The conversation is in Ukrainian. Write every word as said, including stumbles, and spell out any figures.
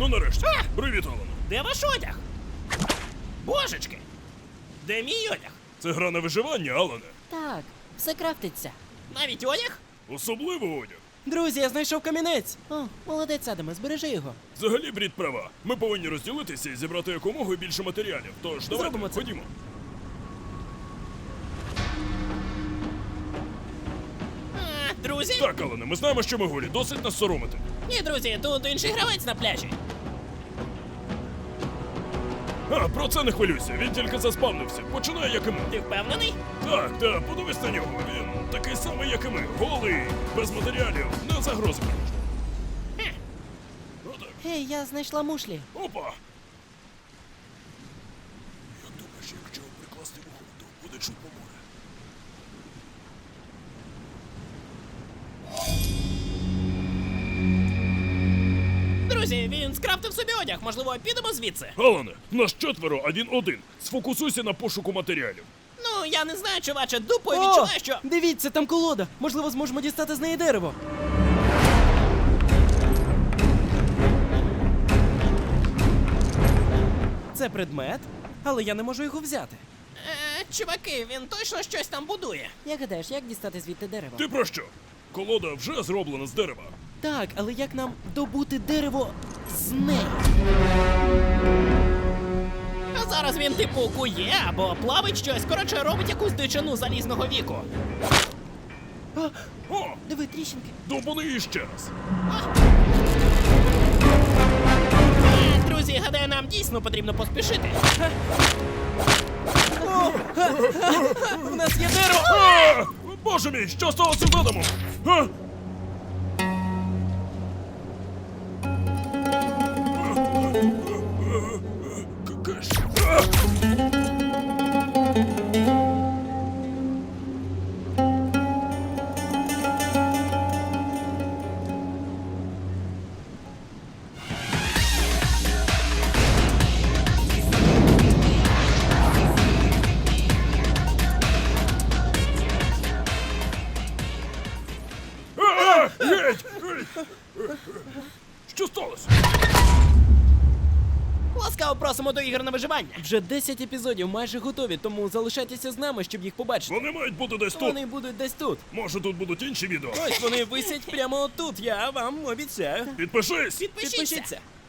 Ну нарешті. А! Привіт, Алане. Де ваш одяг? Божечки! Де мій одяг? Це гра на виживання, Алане. Так, все крафтиться. Навіть одяг? Особливо одяг. Друзі, я знайшов камінець. О, молодець, Адаме, збережи його. Взагалі, Брід права. Ми повинні розділитися і зібрати якомога більше матеріалів. Тож, давайте, Зробимо це. ходімо. А, друзі? Так, Алане, ми знаємо, що ми голі. Досить нас соромити. Ні, друзі, тут інший гравець на пляжі. А, про це не хвилюйся. Він тільки заспавнився. Починає, як і ми. Ти впевнений? Так, так, подивись на нього. Він такий самий, як і ми. Голий, без матеріалів, не загрози коротше. Хе. Ну так. Гей, я знайшла мушлі. Опа! Як думаєш, якщо прикласти вухо, то буде чутно море? Друзі, він скрафтив собі одяг. Можливо, підемо звідси? Алане, нас четверо, один-один. Сфокусуйся на пошуку матеріалів. Ну, я не знаю, чуваче, дупою О, відчуваю, що... дивіться, там колода. Можливо, зможемо дістати з неї дерево. Це предмет, але я не можу його взяти. Е, чуваки, він точно щось там будує. Як гадаєш, як дістати звідти дерево? Ти про що? Колода вже зроблена з дерева. Так, але як нам добути дерево з неї? А зараз він типу кує або плавить щось, коротше, робить якусь дичину залізного віку. А, О, диви, тріщинки. довбани іще раз. Е, друзі, гадаю, нам дійсно потрібно поспішити. У нас є дерево! А! Боже мій, що сталося з Адамом? А? Кеш. А! А! Геть! Геть! Що сталося? Ласкаво просимо до ігор на виживання. Вже десять епізодів майже готові, тому залишайтеся з нами, щоб їх побачити. Вони мають бути десь тут. Вони будуть десь тут. Може, тут будуть інші відео. Ось вони висять прямо тут, я вам обіцяю. Підпишись! Підпишіться. Підпишіться.